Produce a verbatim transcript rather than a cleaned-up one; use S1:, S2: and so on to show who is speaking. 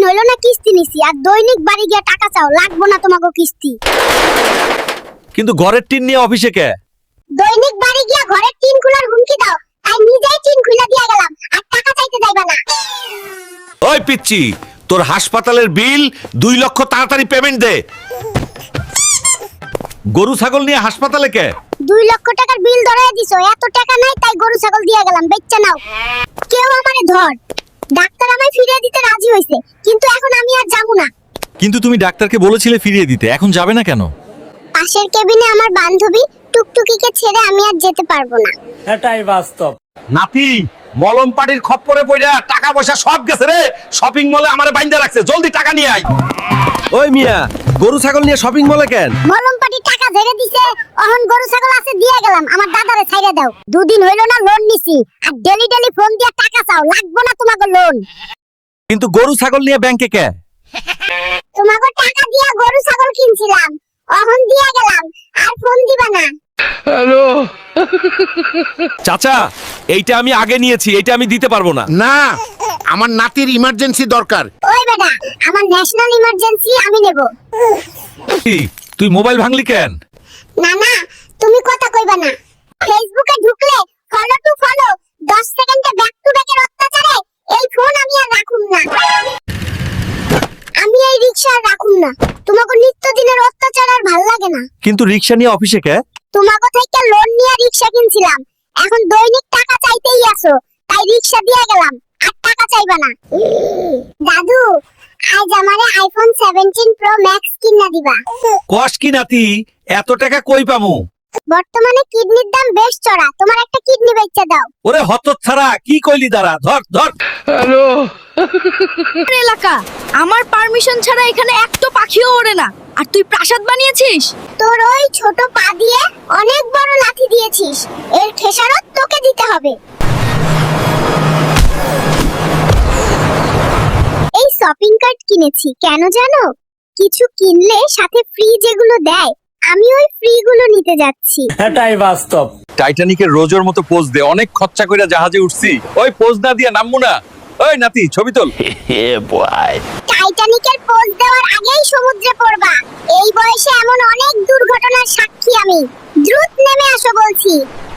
S1: হইলো না কিস্তি নিছি, আর দৈনিক বাড়ি গিয়া টাকা চাও, লাগবো না তোমাকে কিস্তি।
S2: কিন্তু ঘরের টিন নিয়ে অফিসে কে?
S1: দৈনিক বাড়ি গিয়া ঘরের টিন খোলার হুমকি দাও, তাই নিজেই টিন খুলে দিয়া গেলাম, আর টাকা চাইতে যাইবা না।
S2: ওই পিচ্চি, তোর হাসপাতালের বিল দুই লক্ষ তাড়াতাড়ি পেমেন্ট দে। গরু ছাগল নিয়ে হাসপাতালে কে?
S1: দুই লক্ষ টাকার বিল ধরায় দিছো, এত টাকা নাই তাই গরু ছাগল দিয়া গেলাম, বেচ্চা নাও। কেউ আমারে ধর। ডাক্তার আমায় ফিরিয়ে দিতে রাজি হইছে, কিন্তু এখন আমি আর যাবো না।
S2: কিন্তু তুমি ডাক্তারকে বলেছিলে ফিরিয়ে দিতে, এখন যাবে না কেন?
S1: পাশের কেবিনে আমার বান্ধবী টুকটুকিকে ছেড়ে আমি আর যেতে পারবো না।
S3: এটাই বাস্তব।
S2: নাতি, মলম পাটির খপ্পরে পড়া টাকা পয়সা সব গেছে রে। শপিং মলে আমারে বাইন্ধা রাখছে, জলদি টাকা নিয়ে আয়। ওই মিয়া, গরু ছাগল নিয়ে শপিং মলে কেন?
S1: মলম পাটি টাকা ঝেড়ে দিছে, অহন গরু ছাগল আছে দিয়ে গেলাম, আমার দাদারে ছাইড়া দাও। দুদিন হইলো না লোন নিছি, আর ডেলি ডেলি ফোন দিয়া টাকা চাও, লাগবো না তোমাকে লোন।
S2: কিন্তু গরু ছাগল নিয়ে ব্যাংকে কে?
S1: তোমাকে টাকা দিয়া গরু ছাগল কিনছিলাম, অহন দিয়া গেলাম, আর ফোন দিবা না।
S2: চাচা, এইটা আমি আগে নিয়েছি, এইটা আমি দিতে পারবো না।
S4: না, আমার নাতির ইমার্জেন্সি দরকার।
S1: ওই বেটা, আমার ন্যাশনাল ইমার্জেন্সি, আমি নেব।
S2: কি, তুই মোবাইল ভাঙলি কেন?
S1: না না, তুমি কথা কইবা না। ফেসবুকে ঢুকলে ফলো টু ফলো, দশ সেকেন্ডে ব্যাক টু ব্যাকের অত্যাচারে এই ফোন আমি আর রাখুম না। আমি এই রিকশা আর রাখুম না, তোমাকে নিত্যদিনের অত্যাচার আর ভাল লাগে না।
S2: কিন্তু রিক্সা নিয়ে অফিসে কে?
S1: তোমাকে থেকে লোন নিয়ে রিকশা কিনছিলাম, এখন দৈনিক টাকা চাইতেই আসো, তাই রিকশা দিয়ে গেলাম, আর টাকা চাইবা না। দাদু, আজ আমারে আইফোন সেভেন্টিন প্রো ম্যাক্স কিনা দিবা।
S2: কস কি নাতি, এত টাকা কই পামু?
S1: বর্তমানে কিডনির দাম বেশ চড়া, তোমার একটা কিডনি বেচে দাও।
S2: ওরে হতচ্ছাড়া, কি কইলি দাঁড়া, ধর ধর।
S5: এলাকা, আমার পারমিশন ছাড়া এখানে একটা পাখিও ওড়ে না, আর তুই প্রাসাদ বানিয়েছিস?
S1: তোর ওই ছোট পা দিয়ে অনেক বড় লাথি দিয়েছিস, এর খেসারত তোকে দিতে হবে। এই শপিং কার্ট কিনেছি, কেন জানো? কিছু কিনলে সাথে ফ্রি যেগুলো দেয়, আমি ওই ফ্রি গুলো নিতে যাচ্ছি।
S3: এটাই বাস্তব।
S2: টাইটানিকের রোজোর মতো পোজ দে, অনেক খরচা কইরা জাহাজে উঠছি, ওই পোজ না দিয়া নামবো না। ওই নাতি, ছবি তোল।
S1: টাইটানিকের পোজ দেওয়ার আগেই সমুদ্রে পড়বা। এই বয়সে এমন অনেক দুর্ঘটনার সাক্ষী আমি। দ্রুত নেমে আসো বলছি।